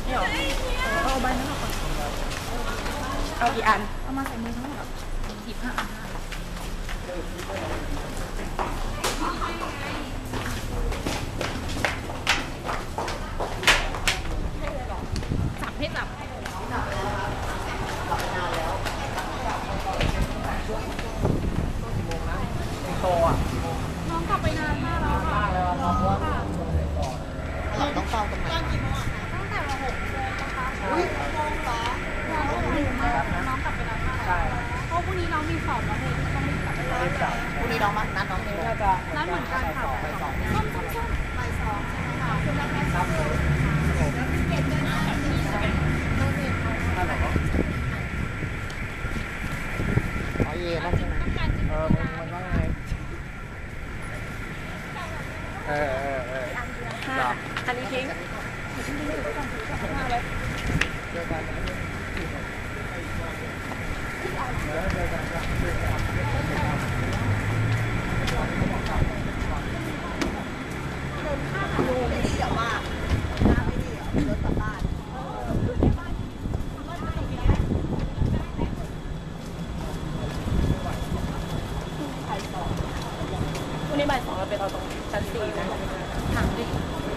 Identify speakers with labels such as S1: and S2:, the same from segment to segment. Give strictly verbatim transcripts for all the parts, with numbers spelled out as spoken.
S1: นี่หรอเอาใบนั้นออกก่อนเอากี่อันเอามาใส่มือทั้งหมดสิบห้าอันจับให้จับโตอ่ะน้องกลับไปนานมากแล้วค่ะน้องว่า
S2: เราต้องเฝ้าตรงไหน
S1: ตั้งแต่มาหกโมงนะคะอุ้ยโมงสองน้องก็อยู่มากน้องกลับไปนานมากเพราะพรุ่งนี้น้องมีสอบแล้วเลยต้องรีบกลับไปเลย
S2: พรุ่งนี้น้องมานัดน้องเอง
S1: น่าจะนัดเหมือนกันค่ะบ่ายสองส้มส้มส้มบ่ายสองใช่ไหมคะคุณนัดแม่ส้มเลยเก็บเงินได้โดนเด็กเขา
S2: อ๋อเย่นั่นใช่ไหม
S3: เออมันมันว่าไงเออเออเออ
S1: ค่ะอันนี้ทิ้ง
S3: เจอกันเจอกัน
S2: ดูไม่ดีอ่ะว่าหน้าไม่ดีอ่ะรถกลับบ้าน
S1: วันนี้บ่ายสองเราไปเอาตรงชั้นสี่นะถามดิ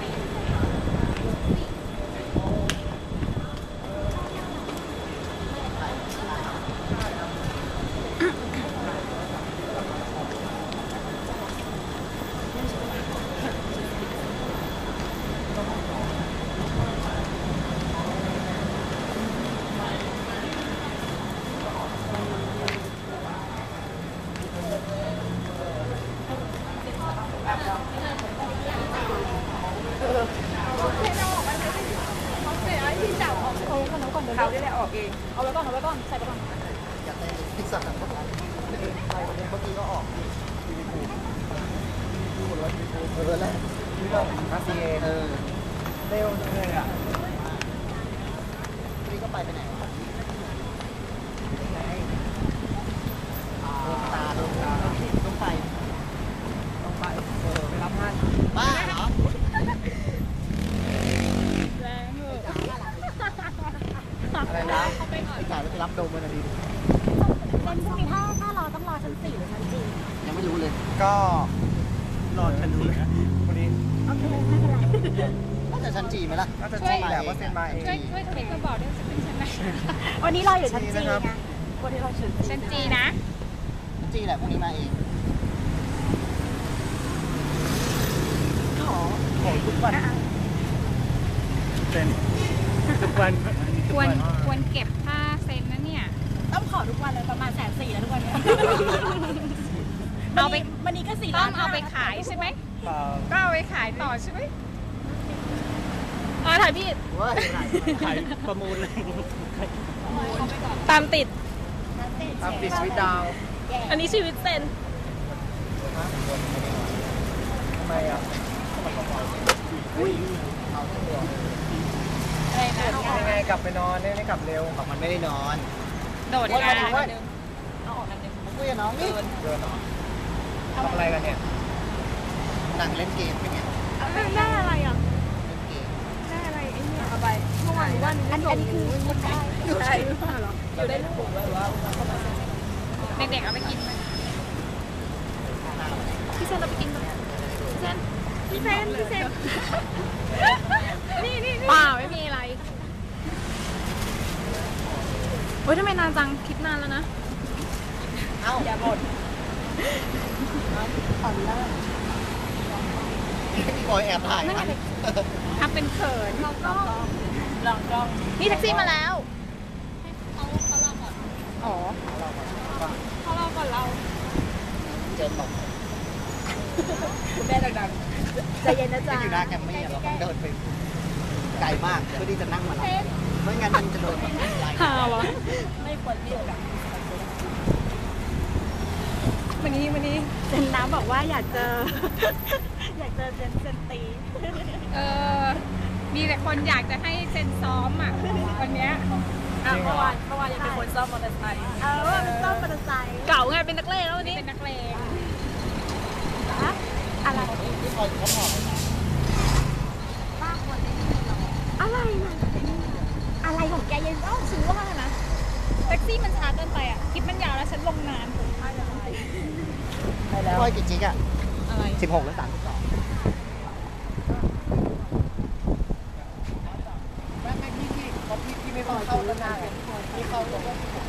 S1: เขาได้ออกเองเอาไว้ก่อนเอาไว้ก่อนใส่ไปก่อน
S2: อยากได้พิซซ่าทั้งหมดเลยใครคนนี้เมื่อกี้ก็ออกทีวีคูดูหมดเลยทีวีคูเออแรก
S3: นี่เรามาซีเอ
S2: เออ
S3: เร็วเลยอ่ะ
S2: นี่ก็ไปไปไหนวะตาดูตาต้องไป
S3: ต้องไปเออไปรับท่าน
S2: บ้าเหรอ
S1: แรงเหรอ
S3: อะไรนะ
S2: ไอ้จ่ายไปรับโดมมันดี
S1: เป็นพรุ่งนี้ถ้าถ้ารอต้องรอชั้นสี่หรือชั้นจี
S2: ยังไม่รู้เลย
S3: ก็รอฉันดูนะวันนี้
S1: โอเคไม่เป็นไร
S2: น่าจะชั้นจีไหมล่ะ
S3: น่าจะจีแหละว่าเซ็นมาเอง
S4: ช่วยช่วยทวิตมาบอกด้วยจะขึ้นชั้นไหน
S1: วันนี้รออยู่ชั้นจีไงวันนี้รอชั้น
S4: ชั้นจีนะ
S2: จีแหละพรุ่งนี้มาเอง
S3: ขอขอทุกวันเซ็นทุกวัน
S4: ควรควรเก็บค่าเซ็นนะเนี่ย
S1: ต้องขอทุกวันเลยประมาณแสนสี่แล้วทุกวันนี้
S4: เอาไป
S1: วันนี้ก็สี่
S4: ต้องเอาไปขายใช่ไหมก็เอาไปขายต่อใช่ไหมอ๋อถ่ายพี่
S3: ขายประมูลเลย
S4: ตามติด
S3: ตามติดชีวิตดาว
S4: อันนี้ชีวิตเซ็น
S3: ทำไมอ่ะยังไงกลับไปนอนเนี่ยไม่กลับเร็ว
S2: บอกมันไม่ได้นอน
S4: โดดงาน
S1: เอาออกกันหนึ่ง
S2: คุยกับน้องนี่
S3: เดินเนาะทำอะไรกันเนี่ย
S2: นั่งเล่นเกมเป็นไง
S4: ได้อะไรอ่ะ
S2: เล่นเกม
S4: ได้อะไรไอ้เนี่ย
S1: เอาไปเมื่อวานวันอันนี้คือคนได้อยู่ได้หรือเปล่าหรออยู่ได้ลูกหรือว่า
S4: เด็กๆเอาไปกินไหมพี่เซนเราไปกินกันพี่เซนพี่เซนพี่เซนนี่นี่เปล่าไม่มีอะไรเฮ้ยทำไมนานจังคลิปนานแล้วนะ
S2: เอ้า
S1: อย่าบ่นอ่อนล่า
S2: พี่บอยแอบถ่ายนะ
S4: ทำเป็นเขิน
S1: ลองกล้องลองกล้อง
S4: นี่แท็กซี่มาแล้ว
S1: เขาเขารอก่อน
S4: อ๋อเขารอก่อนเรา
S2: เจอตก
S1: คุณแม่ดังๆใจเย็นนะจ๊ะ
S2: อยู่หน้าแคมมี่เราต้องเดินไปไกลมากเพื่อที่จะนั่งมาไม่งั้นมันจะโดนแบบ
S4: หาวะ
S1: ไม่ควรเรียกกัน
S4: วันนี้วันนี้
S1: เซนน้ำบอกว่าอยากเจออยากเจอเซนเซนตี
S4: เออมีแต่คนอยากจะให้เซนซ้อมอ่ะวันเนี้ย
S1: เมื่อวานเมื่อวานยังเป็นคนซ้อมมอเตอร์ไซค์เออเป็นซ้อมมอเตอร์ไซค์
S4: เก่าไงเป็นนักเลงแล้ววันนี้เป็นนักเลง
S1: อะไร
S2: ที่คอยเขาบอก
S1: ป้าคนนี้อะไรนะของแกยังต้องซื้อว่านะแท็กซี่มันช้าเกินไปอ่ะคลิปมันยาวแล้วฉันลงนาน
S3: ได้แล้ว
S2: ค่อยกี่จิกอ่ะ
S1: อะไร
S2: สิบหกหรือสามสิบสองแม่แม่พี่พี่เขาพี่พี่ไม่พอเข้าแล้วนะพี่เขา